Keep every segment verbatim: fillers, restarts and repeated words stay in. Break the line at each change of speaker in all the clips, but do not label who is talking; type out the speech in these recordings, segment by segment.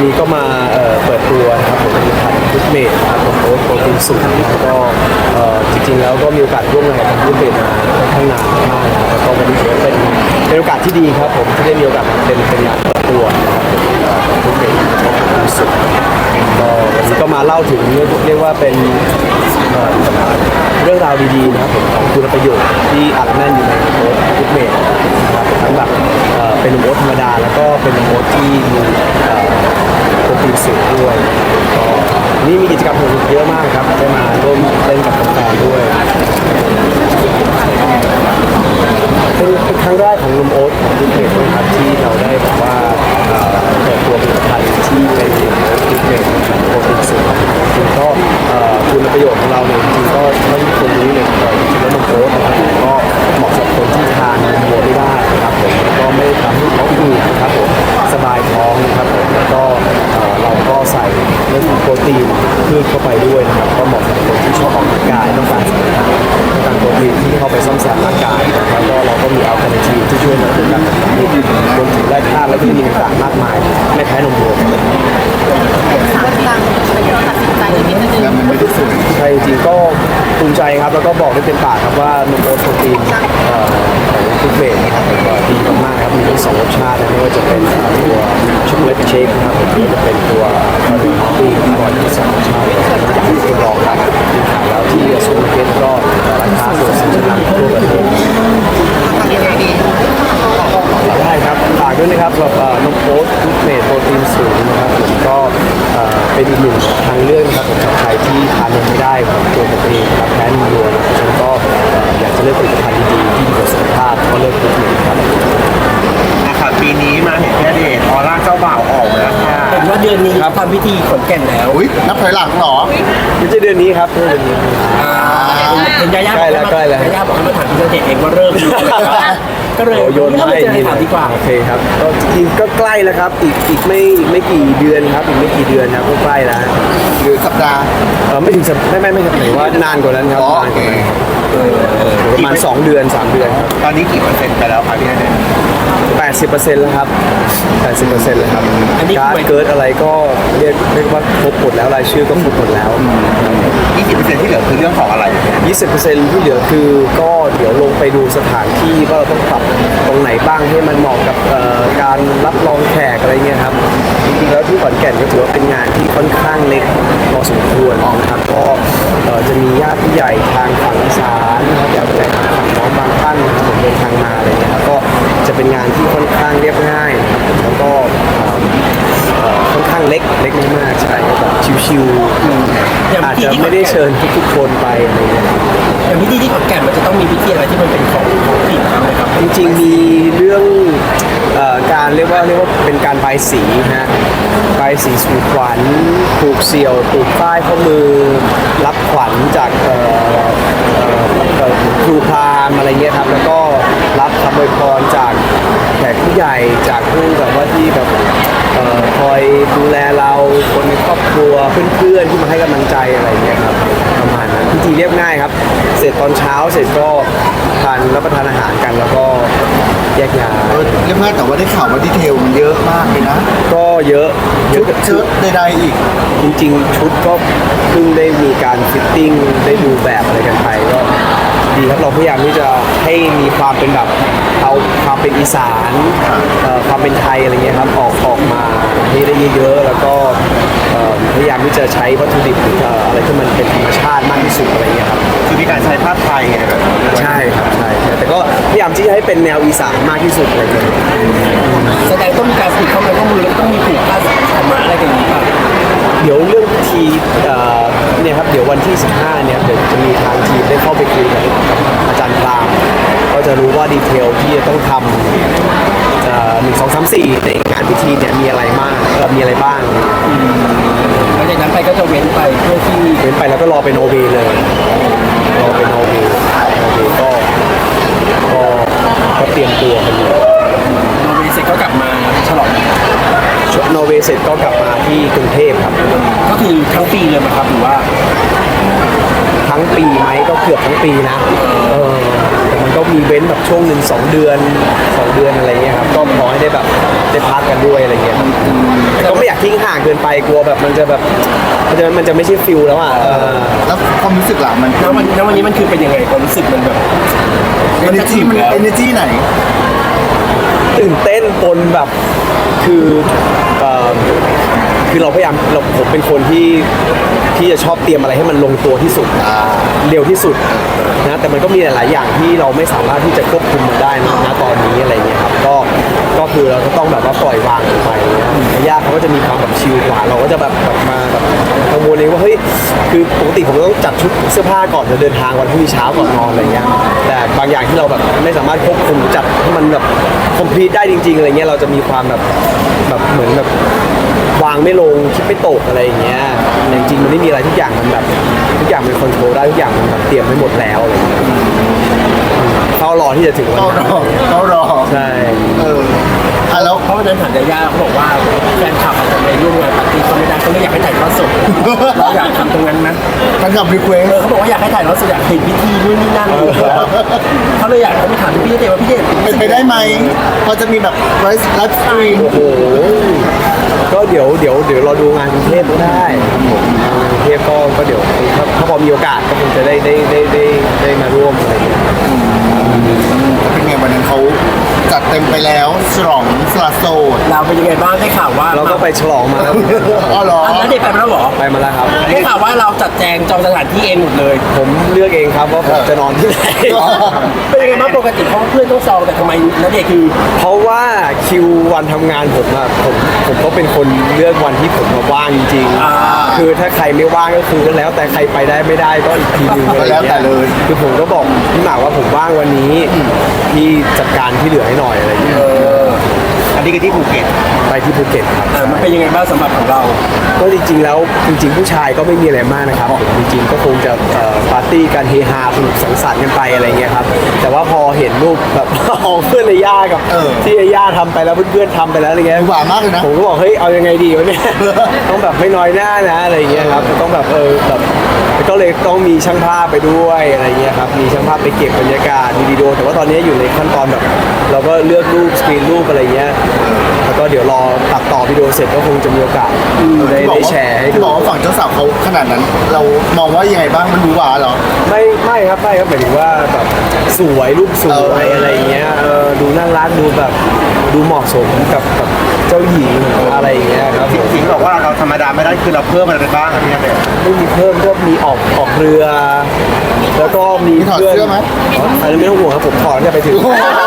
นี้ก็มาเอ่อเปิดตัวนะครับผมผลิตภัณฑ์ฟุตเมดนะครับผมโอ๊ตโปรตีนสูงแล้วก็เอ่อจริงๆแล้วก็มีโอกาสร่วมงานกับฟุตเมดมาค่อนข้างนานมากนะครับแล้วก็วันนี้ถือว่าเป็นเป็นโอกาสที่ดีครับผมที่ได้มีโอกาสเป็นเป็นงานเปิดตัวนะครับผมของฟุตเมดโปรตีนสูงก็วันนี้ก็มาเล่าถึงเรียกว่าเป็นเอ่อเรื่องราวดีๆนะครับผมของคุณประโยชน์ที่อัดแน่นอยู่ในโอ๊ตฟุตเมดนะครับทั้งแบบเอ่อเป็นโอ๊ตธรรมดาแล้วก็เป็นโอ๊ตที่มีเอ่อโปรตีนสูงด้วยก็นี่มีกิจกรรมสนุกเยอะมากครับได้มาร่วมเล่นกับแฟนๆด้วยเป็นเป็นครั้งแรกของนมโอ๊ตของทุกเพจนะครับที่เราได้แบบว่าเอ่อเปิดตัวผลิตภัณฑ์ที่เป็นโอ๊ตทุกเพจโปรตีนสูงจริงก็เอ่อคุณประโยชน์ของเราเนี่ยจริงๆก็ไม่ทุกคนรู้เลยแต่จริงๆแล้วนมโอ๊ตนะครับก็เหมาะสำหรับคนที่ทานนมวัวไม่ได้นะครับผมก็ไม่ทำให้ท้องอืดนะครับผมสบายท้องนะครับผมแล้วก็เอ่อเราก็ใส่เรื่องของโปรตีนพืชเข้าไปด้วยนะครับก็เหมาะสำหรับคนที่ชอบออกกำลังกายต้องการต้องการโปรตีนที่เข้าไปซ่อมแซมร่างกายนะครับแล้วก็เราก็มีอัลเทอร์เนทีฟที่ช่วยในเรื่องการทำงานรวมถึงแร่ธาตุและวิตามินต่างๆมากมายไม่แพ้นมวัว
สามตังค์เป็นเราตัดสินใจอย่างนี้นิดนึง
แล้วมันไม่ได้สวย
ใช่จริงๆก็ภูมิใจครับแล้วก็บอกได้เต็มปากครับว่านมโอ๊ตโปรตีนเอ่อของทุกเบรนะครับผมก็ดีมากๆครับมีทั้งสองรสชาตินะไม่ว่าจะเป็นเอ่อตัวช็อกโกแลตเชคนะครับผมหรือว่าจะเป็นตัวคาร์โบไฮเดรตก่อนที่สองรสชาติอยากให้ทดลองครับแล้วที่ซูเปอร์มาร์เก็ตก็ราคาส่วนสินค้าทั่วประเทศ
ทำยังไงดี
ได้ครับฝากด้วยนะครับสำหรับเอ่อนมโอ๊ตทุกเมดโปรตีนสูงนะครับผมก็เอ่อเป็นอีกหนึ่งทางเลือกนะครับผมสำหรับใครที่ทานนมไม่ได้ของตัวผมเองนะครับแพ้นมวัวนะครับฉันก็เอ่ออยากจะเลือกผลิตภัณฑ์ดีๆที่ดีต่อสุขภาพก็เลือกทุกเมดครับ
นะครับปีนี้มาเห็นแค่เดชออร่าเจ้าบ่าวออกแล้วค่ะ
เห็นว่าเดือนนี้ทำพิธีขนแก่นแล้ว
อุ้ยนับถอยหลังเหรอ
ไม่ใช่เดือนนี้ครับเดือนนี้
เห็นยาย่า
ใกล้แล้วใกล้แล้ว
ยาย่าบอกให้มาถามพี่เจเองว่าเริ่มก็เลย
โอ้โยน
ไม่
ให้
เจอถามดีกว่า
โอเคครับก็จริงๆก็ใกล้แล้วครับอีกอีกไม่อีกไม่กี่เดือนครับอีกไม่กี่เดือนครับก็ใกล้แล้ว
หรือสัปดาห์
เออไม่ถึงสัปไม่ไม่ไม่ครับหมายว่านานกว่านั้นครับ
อ๋อน
านกว่านั้น
โอเค
ประมาณสองเดือนสามเดือนครับ
ตอนนี้กี่เปอร์เซ็นต์ไปแล้วครับพี่ณเดชน์
แปดสิบเปอร์เซ็นต์แล้วครับแปดสิบเปอร์เซ็นต์แล้วครับ
อันนี้
การ
คือหมาย
เกิดอะไรก็เรียกเรียกว่าครบหมดแล้วรายชื่อก็ครบหมดแล้ว
ยี่สิบเปอร์เซ็นต์ที่เหลือคือเรื่องของอะไร
ยี่สิบเปอร์เซ็นต์ที่เหลือคือก็เดี๋ยวลงไปดูสถานที่ว่าเราต้องปรับตรงไหนบ้างให้มันเหมาะกับเอ่อการรับรองแขกอะไรเงี้ยครับจริงๆแล้วที่ขอนแก่นก็ถือว่าเป็นงานที่ค่อนข้างเล็กพอสมควรนะครับก็เอ่อจะมีญาติผู้ใหญ่ทางฝั่งอีสานนะครับอยากจะทางฝั่งน้องบางท่านนะครับผมเดินทางมาอะไรเงี้ยครับก็จะเป็นงานที่ค่อนข้างเรียบง่ายนะครับแล้วก็เอ่อเอ่อค่อนข้างเล็กเล็กมากๆใช่ก็แบบชิวๆอาจจะไม่ได้เชิญทุกๆคนไปอะไรเงี้ย
อย่างพิธีที่ขอนแก่นมันจะต้องมีพิธีอะไรที่มันเป็นของท้องถิ่นไหมครับ
จริงๆมีเรื่องเอ่อการเรียกว่าเรียกว่าเป็นการบายสีฮะบายสีสู่ขวัญผูกเสี่ยวผูกป้ายข้อมือรับขวัญจากเอ่อเอ่อเอ่อครูพราหมณ์อะไรเงี้ยครับแล้วก็รับคำอวยพรจากแขกผู้ใหญ่จากผู้แบบว่าที่แบบเอ่อคอยดูแลเราคนในครอบครัวเพื่อนๆที่มาให้กำลังใจอะไรเงี้ยครับประมาณนั้นพิธีเรียบง่ายครับเสร็จตอนเช้าเสร็จก็ทานรับประทานอาหารกันแล้วก็แยกย้าย
เออเรียบง่ายแต่ว่าได้ข่าวว่าดีเทลมันเยอะมากเลยนะ
ก็เยอะเย
ชุ
อะ
ดชุดใดๆอีก
จริงๆ ชุดก็เพิ่งได้มีการฟิตติ้งได้ดูแบบอะไรกันไปก็ดีครับเราพยายามที่จะให้มีความเป็นแบบเอาความเป็นอีสานเอ่อความเป็นไทยอะไรเงี้ยครับออกออกมาให้ได้เยอะๆแล้วก็เอ่อพยายามที่จะใช้วัตถุดิบหรือเอ่ออะไรที่มันเป็นธรรมชาติมากที่สุดอะไรเงี้ยครับ
คือมีการใช้ผ้าไทยไงแบบนี้ด้วย
ใช่ครับใช่ใช่แต่ก็พยายามที่จะให้เป็นแนวอีสานมากที่สุดอะไรเงี้ย
แสดงต้องมีการผูกข้อมือข้อมือแล้วต้องมีผูกผ้าขาวม้าอะไรกันอย่างนี้ป่ะ
เดี๋ยวเรื่องพิธีเอ่อเนี่ยครับเดี๋ยววันที่สิบห้าเนี่ยเดี๋ยวจะมีทางทีมได้เข้าไปคุยกับอาจารย์ปรางก็จะรู้ว่าดีเทลที่จะต้องทำหนึ่งสองสามสี่ในงานพิธีเนี่ยมีอะไรมากเอ่อมีอะไรบ้าง
หลังจากนั้นไปก็จะเว้นไปเพื่อที่
เว้นไปแล้วก็รอเป็นโอเวเลยรอเป็นโอเวโอเวก็ก็ก็เตรียมตัวกันอยู่
โนเวเสร็จก็กลับมาฉลอง
โนเวเสร็จก็กลับมาที่กรุงเทพครับ
ก็คือทั้งปีเลยไหมครับหรือว่า
ทั้งปีไหมก็เกือบทั้งปีนะเออแต่มันก็มีเว้นแบบช่วงหนึ่งสองเดือนสองเดือนอะไรเงี้ยครับก็พอให้ได้แบบได้พักกันด้วยอะไรเงี้ยครับแต่ก็ไม่อยากทิ้งห่างเกินไปกลัวแบบมันจะแบบมันจะมันจะไม่ใช่ฟิลแล้วอ่ะเออ
แล้วความรู้สึกหลังมัน
แล้ววันแล้ววันนี้มันคือเป็นยังไงความรู้สึกมันแบบ
เอเนจีมันเอเนจีไหน
ตื่นเต้นปนแบบคือเอ่อคือเราพยายามเราผมเป็นคนที่ที่จะชอบเตรียมอะไรให้มันลงตัวที่สุดเร็วที่สุดนะแต่มันก็มีหลาย ๆ อย่างที่เราไม่สามารถที่จะควบคุมมันได้นะณตอนนี้อะไรเงี้ยครับก็ก็คือเราก็ต้องแบบว่าปล่อยวางลงไปยากเขาก็จะมีความแบบชิลกว่าเราก็จะแบบแบบมาแบบกังวลเองว่าเฮ้ยคือปกติผมต้องจัดชุดเสื้อผ้าก่อนจะเดินทางวันพรุ่งนี้เช้าก่อนนอนอะไรเงี้ยแต่บางอย่างที่เราแบบไม่สามารถควบคุมจัดให้มันแบบคอมพลีทได้จริง ๆ อะไรเงี้ยเราจะมีความแบบแบบเหมือนแบบวางไม่ลงคิดไม่ตกอะไรอย่างเงี้ยแต่จริงๆมันไม่มีอะไรทุกอย่างมันแบบทุกอย่างมันคอนโทรลได้ทุกอย่างมันแบบเตรียมไว้หมดแล้วอะไรเงี้ยเฝ้ารอที่จะถึงวัน
เขาร
นั้น
อเขารอ
ใช่
เอออ่ะแล้ว
เพราะวันนั้นถามยาย่าเขาบอกว่าแฟนคลับอาจจะไปร่วมงานปาร์ตี้เขาไม่ได้เขาเลยอยากให้ถ่ายทอดสดเราอยากทำตรงนั้นนะ
มันกับรีเควส
เออเขาบอกว่าอยากให้ถ่ายทอดสดอยากเห็นพิธีนู่นนี่นั่นเขาเลยอยากให้ไปถามพี่เดชว่าพี่เดช
เป็นไปได้ไหมพอจะมีแบบไลฟ์ไลฟ์สตรีม
โอ้โหก็เดี๋ยวเดี๋ยวเดี๋ยวเราดูงานกรุงเทพก็ได้ครับผมงานกรุงเทพก็ก็เดี๋ยวถ้าถ้าพอมีโอกาสก็คงจะได้ได้ได้ได้ได้มาร่วมอะไรอย่างเงี้ย
เป็นไงวันนั้นเขาจัดเต็มไปแล้วฉลองสละโสด
เราเป็นยังไงบ้างได้ข่าวว่า
เราก็ไปฉลองมาแล้ว
อ๋อเหรอ
อันนั้นเด็กไปมาแล้วเหรอ
ไปมาแล้วครับ
ได้ข่าวว่าเราจัดแจงจองสถานที่เองหมดเลย
ผมเลือกเองครับว่าผมจะนอนที่ไหน
เป็นยังไงบ้างปกติเพราะว่าเพื่อนต้องจองแต่ทำไมนัเดชน์คือ
เพราะว่าคิววันทำงานผมอะผมผมก็เป็นคนเลือกวันที่ผมมาว่างจริง
อ่า
ๆคือถ้าใครไม่ว่างก็คือก็แล้วแต่ใครไปได้ไม่ได้ก็อีกทีนึงอะไรอย่างเงี้ยคือผมก็บอกพี่หมากว่าผมว่างวันนี้พี่จัดการที่เหลือให้หน่อยอะไรอย่างเงี้ย
อันนี้ก็ที่ภูเก็ต
ไปที่ภูเก็ตครับ
อ่ามันเป็นยังไงบ้างสำหรับของเรา
ก็จริงๆแล้วจริงๆผู้ชายก็ไม่มีอะไรมากนะครับผมจริงๆก็คงจะเอ่อปาร์ตี้กันเฮฮาสนุกสังสรรค์กันไปอะไรเงี้ยครับแต่ว่าพอเห็นรูปแบบ ของเพื่อนในย่ากับที่ไอ้ย่าทำไปแล้วเพื่อนๆทำไปแล้วอะไรเงี้ย
หวานมากเลยนะ
ผมก็บอกเฮ้ยเอายังไงดีวะเนี่ย ต้องแบบไม่น้อยหน้านะอะไรเงี้ยครับต้องแบบเออแบบก็เลยต้องมีช่างภาพไปด้วยอะไรเงี้ยครับมีช่างภาพไปเก็บบรรยากาศมีวิดีโอแต่ว่าตอนนี้อยู่ในขั้นตอนแบบ เราก็เลือกรูปสกรีนรูปอะไรเงี้ยแล้วก็เดี๋ยวรอตัดต่อวิดีโอเสร็จก็คงจะมีโอกาสได้
ที่บอก
ได้
ว่า
แชร์ให้
ที่
ดู
บอกว่าฝั่งเจ้าสาวเขาขนาดนั้น เรามองว่ายังไงบ้างมันดูหวานเหรอ
ไม่ไม่ครับไม่ครับหมายถึงว่าแบบสวยรูปสวย
เอออ
อะไรเงี้ยเออดูน่ารักดูแบบดูเหมาะสมกับกับเจ้าหญิงอะไรอย่างเงี้ยครับ
จริงๆบอกว่าเราธรรมดาไม่ได้คือเราเพิ่มอะไรไปบ้างครับพี่เดช
ไม่มีเพิ่มก็มีออกออกเรือ แล้วก็มี
มีถอด
พื่น
เสื้อไหม
อันนี้ไม่ต้องห่วงครับผมถอดเนี่ยไปถึง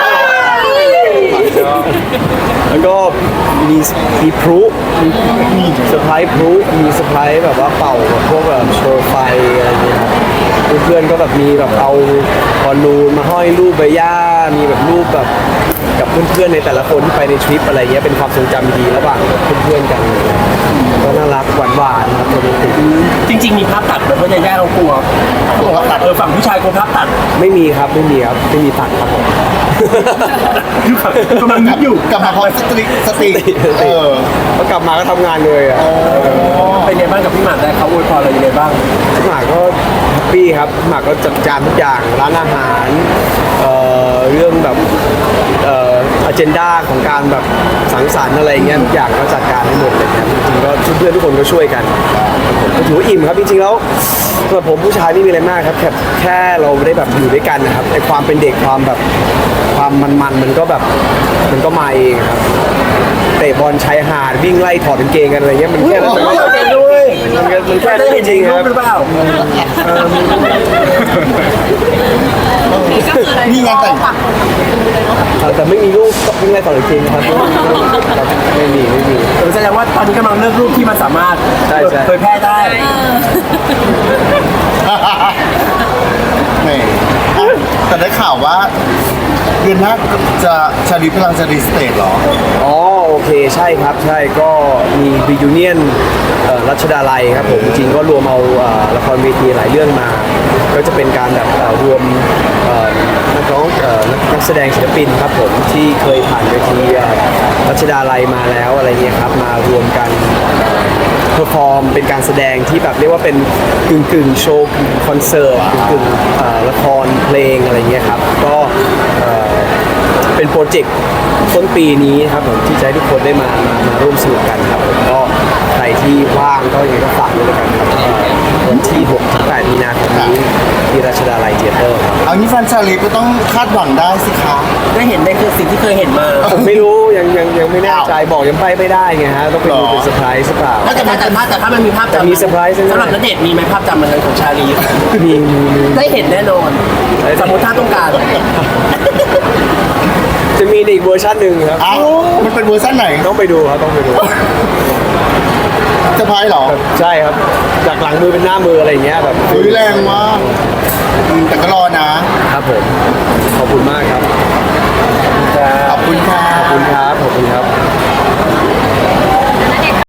แล้วก็มีมีพลุมีเซอร์ไพรส์พลุมีเซอร์ไพรส์แบบว่าเป่าแบบพวกแบบโชว์ไฟอะไรอย่างเงี้ยครับเพื่อนๆก็แบบมีแบบเอาบอลลูนมาห้อยรูปใบหญ้ามีแบบรูปแบบกับเพื่อนๆในแต่ละคนที่ไปในทริปอะไรเงี้ยเป็นความทรงจำดีๆระหว่างเพื่อนๆกันก็น่ารักหวานๆครับโรแมนติก
จริง ๆ มีภาพตัดแบบว่าย่าๆเรากลัวเขาบอกว่าตัดเออฝั่งผู้ชายกลัวภาพตัด
ไม่มีครับไม่มีครับไม่มีตัดครับผม
คือแบบกำลังนึกอยู่
กลับมาพร้อมสติสติเออ
พอกลับมาก็ทำงานเลยอ่ะ
เป็นไงบ้างกับพี่หมากได้เขาอวยพรอะไรยังไงบ้าง
พี่หมากก็แฮปปี้ครับพี่หมากก็จัดการทุกอย่างร้านอาหารเอ่อเรื่องแบบเอ่ออเจนดาของการแบบสังสรรค์อะไรเงี้ยทุกอย่างก็จัดการให้หมดเลยครับจริงๆก็เพื่อนๆทุกคนก็ช่วยกันผมก็ถือว่าอิ่มครับจริงๆแล้วสำหรับผมผู้ชายไม่มีอะไรมากครับแค่แค่เราไม่ได้แบบอยู่ด้วยกันนะครับไอความเป็นเด็กความแบบความมันๆมันก็แบบมันก็มาเองครับเตะบอลชายหาดวิ่งไล่ถอดกางเกงกันอะไรเงี้ยมันแค่นั้น
เราเห็นด้วย
มันแค่มันแค่
ได้
นั้นจ
เห็น
ริงๆค
รู
รั
ป
บ
หรือเปล่า
นี่งานแต่ง
เออแต่ไม่มีรูปวิ่งไล่ถอดกางเกงนะครับไม่มีไม่มี
เออแสดงว่าตอนนี้กำลังเลือกรูปที่มันสามารถ
ใช่ใช่
เผยแพร่ได้
แหมอ่ะแต่ได้ข่าวว่าเดือนหน้าจะชาลีพลังจะรีสเตทเหรอ
อ๋อโอเคใช่ครับใช่ก็มีรียูเนียนรัชดาลัยครับผมจริงๆก็รวมเอาเอ่อละครเวทีหลายเรื่องมา ก็จะเป็นการแบบเอ่อรวมเอ่อนักร้องเอ่อนักนักแสดงศิลปินครับผมที่เคยผ่านเวทีเอ่อรัชดาลัยมาแล้วอะไรเงี้ยครับมารวมกันเพอร์ฟอร์มเป็นการแสดงที่แบบเรียกว่าเป็นกึ่งกึ่งๆโชว์กึ่งคอนเสิร์ตกึ่งกึ่งๆเอ่อละครเพลงอะไรเงี้ยครับก็เอ่อเป็นโปรเจกต์ต้นปีนี้ครับผมที่จะให้ทุกคนได้มามามาร่วมสนุกกันครับผมก็ใครที่ว่างก็ยังไงก็ฝากด้วยแล้วกันครับเอ่อวันที่หกถึงแปดมีนาคมนี้ที่ราชดาลัยเธียเตอร์ครับ
เอางี้แฟนชาลีก็ต้องคาดหวังได้สิคะ
ได้เห็นได้คือสิ่งที่เคยเห็นมา
ผมไม่รู้ยังยังยังไม่แน่ใจบอกยังไปไม่ได้ไงฮะต้องไปดูเป็นเซอร์ไพรส์หรือเปล่า
ถ้าแต่ถ้าแต่ถ้าแต่ถ้ามันมีภาพ
แต่
จำ
มีเซอร์ไพรส์ใช่ไหม
สำหรับณเดชน์มีไหมภาพจำมันนั้นของชาลี
มีมีมี
ได้เห็นแน่นอน สมมติถ้าต้องการ
จะมีในอีกเวอร์ชันหนึ่งครับ
เอ้ามันเป็นเวอร์ชันไหน
ต้องไปดูครับต้องไปดู
จะพายเหรอ
ใช่ครับจากหลังมือเป็นหน้ามืออะไรอย่างเงี้ยแบบ
อุ้ยแรงมากอืมแต่ก็รอนะ
ครับผมขอบคุณมากครับ
ขอบคุณค่ะ
ขอบคุณครับขอบคุณครับ